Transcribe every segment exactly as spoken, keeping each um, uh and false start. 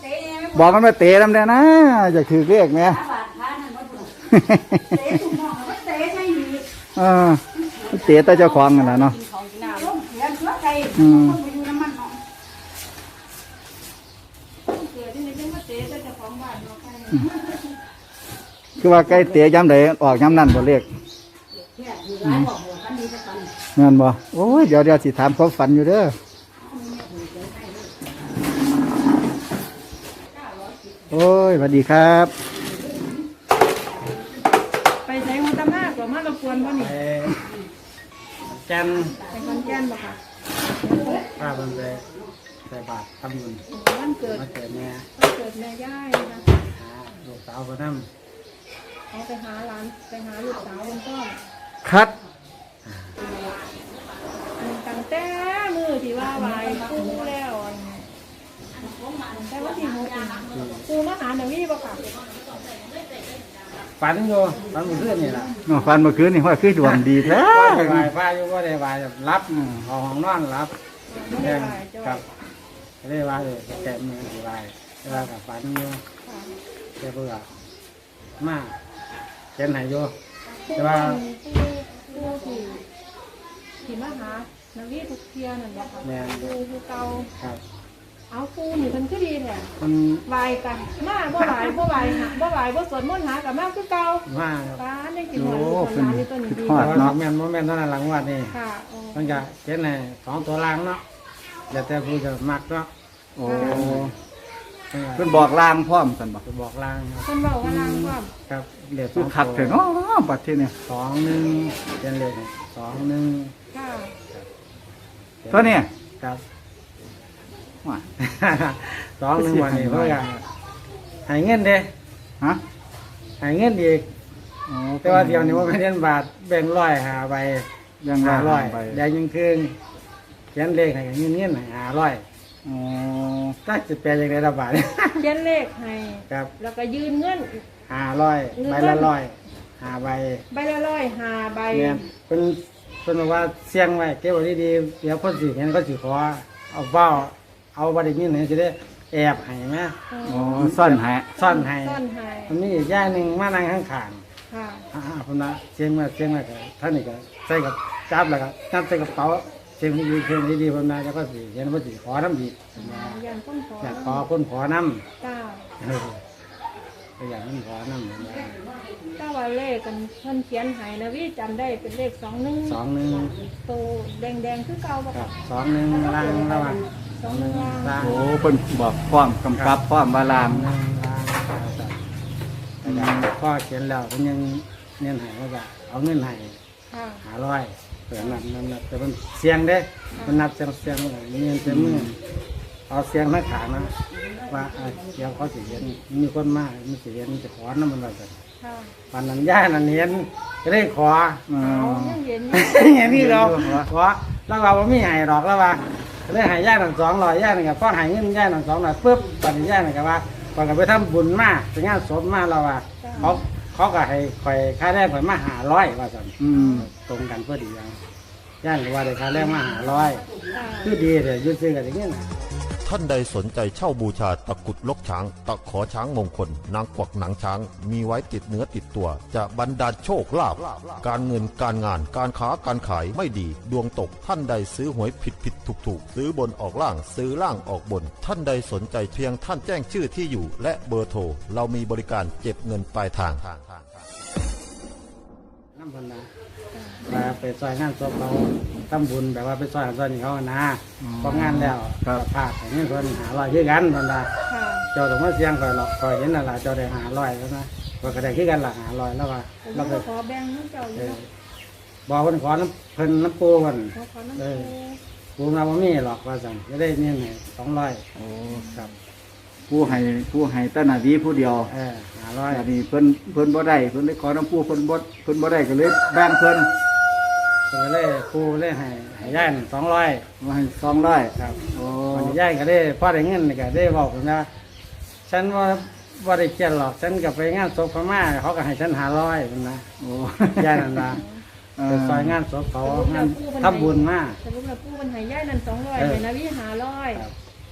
บอกมันมาเตะน้ำเนี่ยนะจะถือเรียกไหมเออเตะแต่เจ้าของนั่นแหละเนาะอืมคือว่าใกล้เตะย้ำใดออกย้ำนั่นบ่เรียกนั่นบ่โอ้ยเดี๋ยวเดี๋ยวสิถามความฝันอยู่เด้อโอ้ยสวัสดีครับไปใช้หัวตำหน้ากว่ามาเราควรว่านี่แกนไปคอนแก่นบ่ค่ะป้าเป็นไปใส่บาตรทำบุญวันเกิดวันเกิดแม่วันเกิดแม่ย่ายนะหาลูกสาวคนนั้นเขาไปหาหลานไปหาลูกสาวคนต้นคัดตั้งแต่มือที่ว่าไหวปูแล้วแต่ว่าที่หกปูมาหาหนังวี่บ่ค่ะฝันอยู่ฝันเมื่อคืนนี่แหละฝันเมื่อคืนนี่ว่าคือดวงดีแท้วายฟ้าอยู่ว่าได้วายรับห้องนอนรับแดงกับได้วายเลยแกะมือดีวายเวลากับฝันอยู่แกเบื่อมากเช่นไหนอยู่แต่ว่าปูที่ที่มาหาหนังวี่ทุกเทียนั่นบ่ค่ะปูปูเก่าเอาปูนี่มันคือดีแท้มันไหวกันมาบ่ไหวบ่ไหวหาบ่ไหวบ่สวดมนต์หากับมาคือเก่ามาป้าได้กินหอยคนนี้ตัวนี้ดีเนาะแม่นบ่แม่นเท่านั้นหลังวัดนี่ค่ะมันก็เช่นไหนสองตัวล่างเนาะอย่าแต่ผู้จะมักเนาะโอ้เพิ่นบอกลางพร้อมกันบ่บอกลางเพิ่นบอกว่าลางพร้อมครับเรียกคือคักเถอะเนาะบัดทีนี้สองหนึ่งเป็นเลขสองหนึ่งค่ะตัวนี้ครับว่าสองหนึ่งวันนี้เพื่อหายเงินเด้ฮะหายเงินอีกแต่ว่าเดี๋ยวนี้ว่าเป็นเงินบาทแบ่งร้อยหาใบยังหาร้อยได้ยังคืนเขียนเลขให้เงินเงินหาร้อยอ๋อก็จะแปลอย่างไรระบาดเขียนเลขให้ครับแล้วก็ยืนเงินหาร้อยใบละร้อยหาใบใบละร้อยหาใบเนี่ยเป็นเป็นว่าเสี่ยงไว้เก็บไว้ดีๆเดี๋ยวคนสิเห็นก็สิขอเอาเบ้าเอาบัตรนี้เนี่ยจะได้แอบให้ไหมอ๋อซ่อนให้ซ่อนให้ซ่อนให้มันมีอีกย่าหนึ่งมานั่งข้างขางค่ะอ่าคนละเชียงมาเชียงมาท่านนี่ก็ใส่กับจับแล้วก็จับใส่กระเป๋าเชียงดีเชียงดีๆคนนั้นแล้วก็สิเห็นว่าสิขอน้ำดีอยากคนขออยากขอคนขอน้ำจ้าก็อยากคนขอน้ำถ้าว่าเลขกันเพิ่นเขียนให้นะวิจำได้เป็นเลขสองหนึ่งสองหนึ่งโตแดงๆคือเก่าป่ะสองหนึ่งล่างระหว่างสองหนึ่งล่างโอ้เพิ่นบอกพร้อมกำกับพร้อมบาลานพ่อเขียนแล้วเพิ่นยังเงินหายว่าเอาเงินหายหาร้อยเผื่อนับนับนับแต่มันเสียงเด้มันนับเสียงเสียงเงินเต็มมือเอาเสียงนักขานะว่าเดี๋ยวเขาสิเห็นมีคนมากมีสิเห็นจะขอน้ำมันอะไรกันวันนั้นย่านั่นเห็นก็ได้ขอเห็นเห็นนี่เราขอแล้วเราไม่หายหรอกแล้วว่าเลยหายย่าหนึ่งสองร้อยย่าหนึ่งกับพ่อหายเงินย่าหนึ่งสองร้อยปุ๊บตอนนี้ย่าหนึ่งกับว่าก่อนกับไปทำบุญมากไปงานศพมากเราว่าเขาเขาก็ให้คอยค่าแรกคอยมาหาร้อยว่าสั่นตรงกันเพื่อดีอย่างย่าหรือว่าได้ค่าแรกมาหาร้อยคือดีเลยยืดซื้อกันอย่างนี้นะท่านใดสนใจเช่าบูชาตะกุดลกช้างตะขอช้างมงคลนางกวักหนังช้างมีไว้ติดเนื้อติดตัวจะบรรดาลโชคลาภการเงินการงานการค้าการขายไม่ดีดวงตกท่านใดซื้อหวยผิดผิดถูกถูกซื้อบนออกล่างซื้อล่างออกบนท่านใดสนใจเพียงท่านแจ้งชื่อที่อยู่และเบอร์โทรเรามีบริการเก็บเงินปลายทางน้ำพันนะมาไปซอยงานศพเราทำบุญแบบว่าไปซอยซอยนี่เขานะพองานแล้วก็พาแต่นี่คนหาลอยขึ้นกันพันนะเจ้าต้องมาเสียงคอยหลอกคอยเห็นนั่นแหละเจ้าได้หาลอยแล้วนะก็กระไดขึ้นกันหลักหาลอยแล้วว่าเราขอแบ่งน้ำเจ้าอยู่บอกคนขอน้ำเพิ่นน้ำปูกันเออปูมาบ่มีหรอกว่าสั่งจะได้เนี่ยสองร้อยโอ้ครับผู้ให้ผู้ให้ต้นนาดีผู้เดียวเออหาร้อยอันนี้เพิ่นเพิ่นบ่ได้เพิ่นได้ขอน้ำปูเพิ่นบ่เพิ่นบ่ได้ก็เลยแบ่งเพิ่นเพิ่นเลยปูเลยให้ให้ย่ายสองร้อยมาให้สองร้อยครับโอ้ย่ายก็ได้พอได้เงินก็ได้บอกผมนะฉันว่าว่าได้เกียรหรอกฉันกับไปงานศพพม่าเขาก็ให้ฉันหาร้อยนะโอ้ย่ายนั่นละไปซอยงานศพเขางานทำบุญมากสมมติว่าปูมันให้ย่ายนั่นสองร้อยเลยนะวิหาร้อยต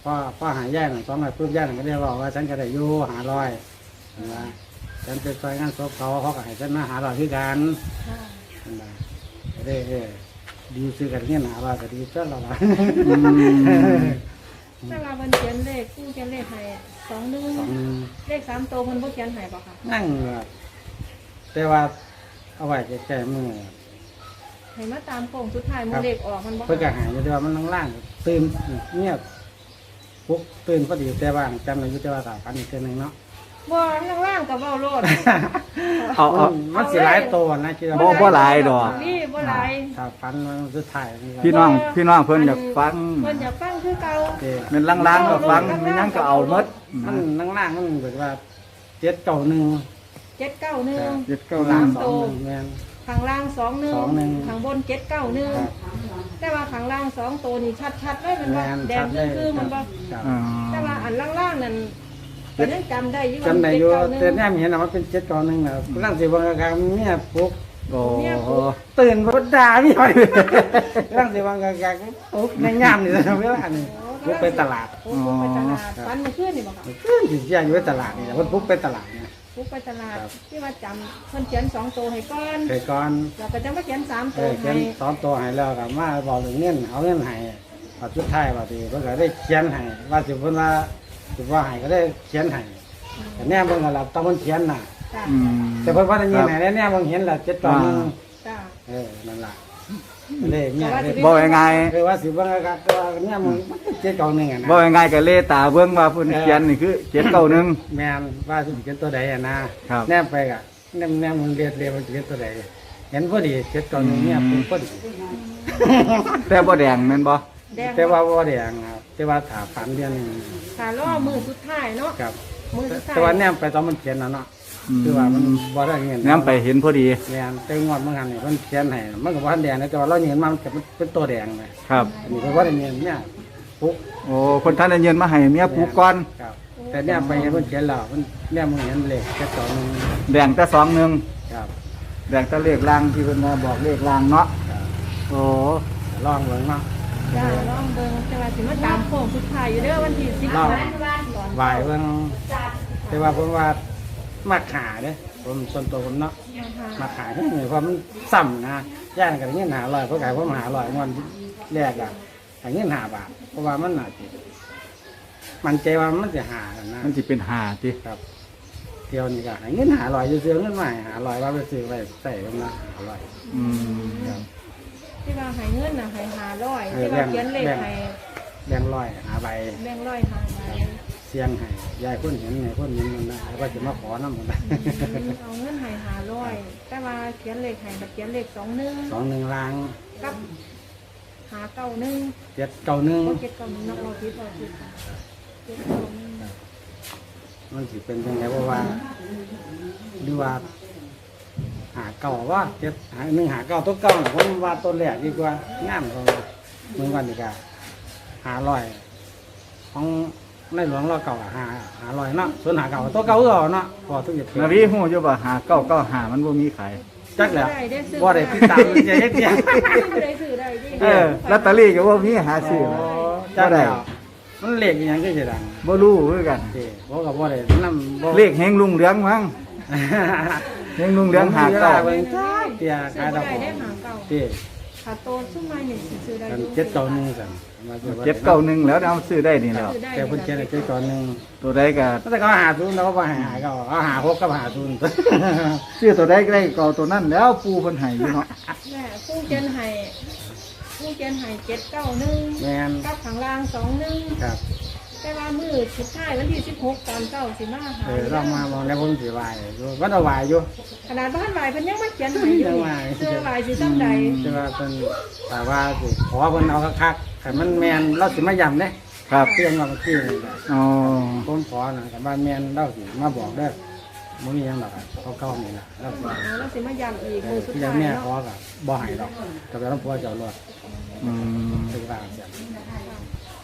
พอพอหายย่ายหนึ่งสองร้อยปุ๊บย่ายหนึ่งก็ได้บอกว่าฉันก็ได้อยู่หาร้อยนะฉันไปซอยงานศพเขาเขาก็ให้ฉันมาหาร้อยคือกันค่ะนะก็ได้เออดีซื้อกันเงี้ยหาร้อยก็ดีซะแล้วล่ะอืมแต่ว่ามันเขียนเลขผู้เขียนเลขให้สองหนึ่งสองเลขสามตัวมันบ่เขียนให้บ่ค่ะนั่งแบบแต่ว่าเอาไว้แก่ๆมือให้มาตามโค้งสุดท้ายมือเลขออกมันบ่เพื่อกระหายอยู่แต่ว่ามันล่างๆตื่นเงียบปุ๊บตื่นพอดีแต่ว่าจำในยุทธวาสาพันอีกเทื่อหนึงเนาะบ่ข้างล่างกับเว้าโลดเอาเอามันสิหลายตัวนะคิดว่าบ่บ่หลายดอกนี่บ่หลายถ้าฟันมันสุดท้ายนี่พี่น้องพี่น้องเพิ่นอยากฟังเพิ่นอยากฟังคือเก่าเด้เป็นล่างๆก็ฟังไม่งั้นก็เอาหมดมันนั่งล่างมันแบบว่าเจ็ดเก่าหนึ่งเจ็ดเก้าหนึ่งเจ็ดเก้าล่าล้าง นสองหนึ่งแม่นข้างล่างสองหนึ่งสองหนึ่งข้างบนเจ็ดเก้าหนึ่งครับแต่ว่าข้างล่างสองตัวนี่ชัดๆเลยมันบ่แม่นแดชังดเลยคือๆมันบ่ครับอ๋อแต่ว่าอันล่างๆนั่นก็ยังจำได้อยู่ว่าจำได้อยู่เจ็ดแต่เก้าหนึ่งแน่เห็นนะมันเป็นเจ็ดเก่าหนึ่งนะร่างสีวังกลางเมียปลุกโอ้ตื่นพดด่าพี่หน่อยร่างสีวังกลางปลุกในย่ามนี่จะเวลานี่ปลุกไปตลาดโอ้ปลุกไปตลาดฟันมันขึ้นนี่บ่ค่ะขึ้นอยู่ที่อยู่ในตลาดนี่แหละมันปลุกไปตลาดเนี่ยปลุกไปตลาดครับที่ว่าจำเพิ่นเขียนสองตัวให้ก่อนเคยก่อนแล้วก็จะมาเขียนสามเอตัวอเขียให้นสอนตัวให้แล้วกับมาบอกถึงเงินเอาเงินให้พอชุดท้ายว่าดีเพิ่นก็ได้เขียนให้ว่าสิเพิ่นว่าสิว่าให้ก็ได้เขียนให้แต่แน่เพิ่นก็รับต้องเพิ่นเขียนน่ะจ้าอืมแต่เพิ่นว่าได้ยินให้แน่เพิ่นเห็นแล้วเจ็ดต่อหนึ่งจ้าเออนั่นล่ะเลยเนี่ยเลยบ่ยังไงคือว่าสิเบิ่งก็ตัวเนี่ยมึงมันเจ็ดเก่าหนึ่งอ่ะนะบ่ยังไงก็เลตาเบิ่งว่าเพิ่นเขียนนี่คือเจ็ดเก้าหนึ่งแม่นว่าสิเขียนตัวใดอ่ะนะครับ แนมไปก็แนมแนมมึงเรียนเรียนมันสิเขียนตัวใดเห็นพอดีเจ็ดเก่าหนึ่งเนี่ยปุ๊บพอดีแต่บ่แดงแม่นบ่แดงแต่ว่าบ่ได้อ่ะครับแต่ว่าถาฝันเดือนหนึงขาล่อมือสุดท้ายเนาะครับมือสุดท้ายแต่ว่าแนมไปตอนมันเขียนน่ะเนาะคือว่ามันบ่ได้เงินแนมไปเห็นพอดีแม่นแต่งวดมันหันนี่มันเขียนให้มันก็บ่ทันแดงนะแต่ว่าเราเห็นมันก็เป็นตัวแดงนะครับ อันนี้ก็บ่ได้เงินเนี่ยปุ๊บโอ้คนท่านได้เงินมาให้เมียปลูกก่อนครับแต่เนี่ยไปเห็นเพิ่นเขียนแล้วมันเนี่ยมึงเห็นเลขแค่สองหนึงแดงแต่สองหนึ่งครับแดงแต่เลขล่างที่เพิ่นมาบอกเลขล่างเนาะครับโอ้ลองเบิ่งเนาะจ้าลองเบิ่งแต่ว่าสิมาตามโค้งสุดท้ายอยู่เด้อวันที่สิบลองนะก่อนไหวเบิ่งแต่ว่าผมว่ามักหาเด้ผมส่วนตัวผมเนาะมักหาเฮ้ยเพราะมันซ้ำนะย่านกันเงินหาร้อยเพราะไก่ผมหาร้อยงอนแรกอะให้เงินหาบาทเพราะว่ามันน่าสิมันใจว่ามันจะหากันนะมันสิเป็นหาติครับเที่ยวนี้ก็ให้เงินหาร้อยซื้อเงินใหม่หาร้อยว่าไปซื้อไว้ใส่ผมนะหาร้อยอืมครับที่ว่าให้เงินน่ะให้หาร้อยเออที่ว่าเขียนเลขแบ่งให้แบงค์ร้อยหาใบแบ่งร้อยหาใบเสียงให้ยายคนเห็นไงคนเห็นมันนะแล้วก็จะมาขอน้ำมันนะเอาเงินให้หาร้อยแต่ว่าเขียนเลขให้แบบเขียนเลขสองหนึ่งสองหนึ่งล้างกับหาเก้าหนึ่งเจ็ดเก้าหนึ่งโอเคเก้าหนึ่งนักเราคิดเราคิดเจ็ดเก้าหนึ่งมันสิเป็นยังไงเพราะว่าดูว่า หาเก่าว่าเจ็ดหาหนึ่งหาเก้าตัวเก่าน่ะผมว่าตัวแรกดีกว่างามเขาเมืองวันนี้ก็หาลอยของในหลวงเราเก่าอะหาหาลอยเนาะส่วนหาเก่าตัวเก่าก็เนาะพอทุกอย่างนาวีฮู้อยู่บ่หาเก้าเก้าหามันบ่มีขายจักแล้วได้ได้ซื้อว่าได้ติดตามมันจะเย็ดเย็ดได้ซื้อได้ดิเออลอตเตอรี่ก็บ่มีหาซื้อจับ่กได้แล้วมันเลขอหยังก็จะดังบ่รู้คือกันเด้บอกกับว่าได้นำบ่เลขแห่งลุงเหลืองมั้งแห่งลุงเหลืองหาเก้าเบิ่งจ้าเตียซื้ขายอดอกได้ได้หาเก้าเด้ขาโตซุ้มมาหนึ่งซื้อได้กันอยู่เจ็ดเก้าหนึ่งสั่นมาซื้อไว้เจ็ดเก้าหนึ่งแล้วเอาซื้อได้นี่แล้วซื้อได้แต่เพิ่นเขียนให้เจ็ดเก้าหนึ่งตัวใดก็แต่เขาหาทุนแล้วก็หาหาเขาเอาหาหกกับหาทุนซื้อตัวใดก็ได้ก็เอาตัวนั้นแล้วปูเพิ่นให้อยู่เนาะแม่ผู้เจนไห้ผู้เจนไห้เจ็ดเก้าหนึ่งแมนกับข้างล่างสองหนึ่งครับแต่ว่ามือสุดท้ายวันที่สิบหกตอนเก้าสิมาหาเออเรามามองแล้วผมสิวายอยู่วัดเอาวายอยู่ขนาดบ้านวายเพิ่นยังมาเขียนให้อยู่ยังว่าเสื้อวายสิซ้ำใดแต่ว่าเป็นแต่ว่าสิขอเพิ่นเอาคักๆแต่มันแมนเราสิมาย้ำเด้ครับเตรียมมาเมื่อกี้นี่ก็อ๋อผมขอนะแต่บ้านแมนเราสิมาบอกเด้อมื้อนี้ยังดอกอะเขาเก่านี่ล่ะแล้วก็เอาแล้วสิมาย้ำอีกเอมืออสุดที่ยัท้าง ยแม่ขอเนาะก็บ่ให้ดอกแต่ว่าต้องพัวเจ้ารอดอืมถึงว่าเสียขอ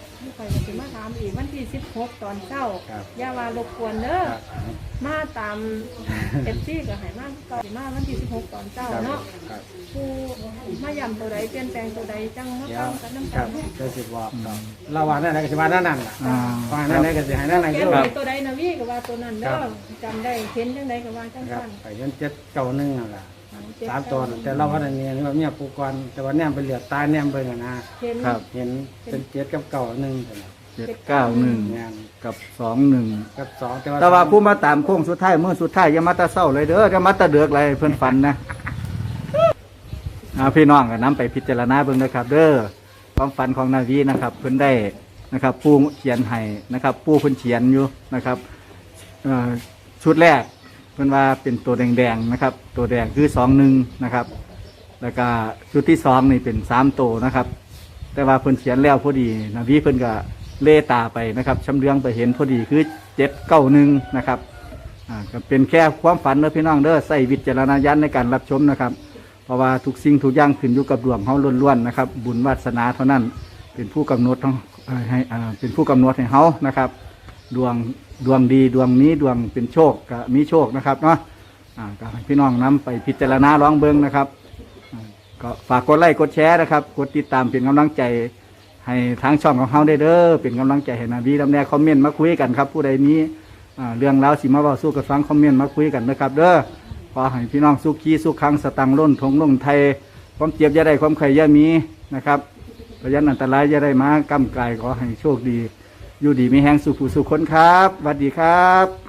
อยก็สิมาถามอีกวันที่สิบหกตอนเช้าครับอย่าว่ารบกวนเด้อครับมาตาม เอฟซีก็ให้มาก็สิมาวันที่สิบหกตอนเช้าเนาะครับผู้มาย้ำตัวใดเปลี่ยนแปลงตัวใดจังมาเดี๋ยฟัวงกันน้ำคกัรันบจะสิบอกครับเราว่านั่นไหนก็สิว่านั่นนั่นล่ะอ่าว่านั่นไหนก็สิให้นั่นนั่นเขียคืนอไว้ว่าตัวใดนะวี่ก็ว่าตัวนั้นเด้อจำได้เห็นจังใดก็ว่าจังครับซั่นไปจนเจ็ดเก่าหนึ่งนั่นแหละเจ็ดสามตัวน่ะแต่เราว่าอันนี้นี่ว่าเมียปูกรแต่ว่าแนมไปเหลือตาแนมเบิ่งอะนะเห็นครับเห็นเป็นเจ็ดกับเก่าหนึ่งแต่ละเจ็ดเก้าหนึ่งงานกับสองหนึ่งกับสองแต่ว่าแต่ว่าผู้มาตามโค้งสุดท้ายเมื่อสุดท้ายอย่ามาแตะเศร้าเลยเด้ออย่ามาแตะเดือกเลยเพื่อนฝันนะอ่าพี่น้องก็นำไปพิจารณาเบิ่งนะครับ เด้อความฝันของนาวีนะครับ เพิ่นได้นะครับปูเขียนให้นะครับปูเพิ่นเขียนอยู่นะครับเอ่อชุดแรกเพิ่นว่าเป็นตัวแดงๆนะครับ ตัวแดงคือสองหนึ่งนะครับ แล้วก็ชุดที่สองนี่เป็นสามตัวนะครับ แต่ว่าเพิ่นเขียนแล้วพอดีนาวีเพิ่นก็เล่ตาไปนะครับชำเลืองไปเห็นพอดีคือเจ็ดเก้าหนึ่งนะครับอ่าก็เป็นแค่ความฝันเด้อพี่น้องเด้อใส่วิจารณญาณในการรับชมนะครับ เพราะว่าทุกสิ่งทุกอย่างขึ้นอยู่กับดวงเฮาล้วนๆนะครับ บุญวาสนาเท่านั้นเป็นผู้กำหนดทั้งเอ่อให้อ่าเป็นผู้กำหนดให้เฮานะครับ ดวงดวงดีดวงนี้ดวงเป็นโชคก็มีโชคนะครับเนาะอ่าก็ให้พี่น้องนำไปพิจารณาลองเบิ่งนะครับอ่าก็ฝากกดไลค์กดแชร์นะครับกดติดตามเป็นกำลังใจให้ทางช่องของเฮาได้เด้อเป็นกำลังใจให้นาบีดำแนคอมเมนต์มาคุยกันครับ ผู้ใดมีอ่าเรื่องราวสิมาเว้าสู้กับฟังคอมเมนต์มาคุยกันนะครับเด้อขอให้พี่น้องสุขีสุขขังสตังค์ล้นทงลงไทยความเจ็บอย่าได้ความไข่อย่ามีนะครับพยันอันตรายอย่าได้มากำกายขอให้โชคดีอยู่ดีมีแห้งสุขผู้สุขคนครับสวัสดีครับ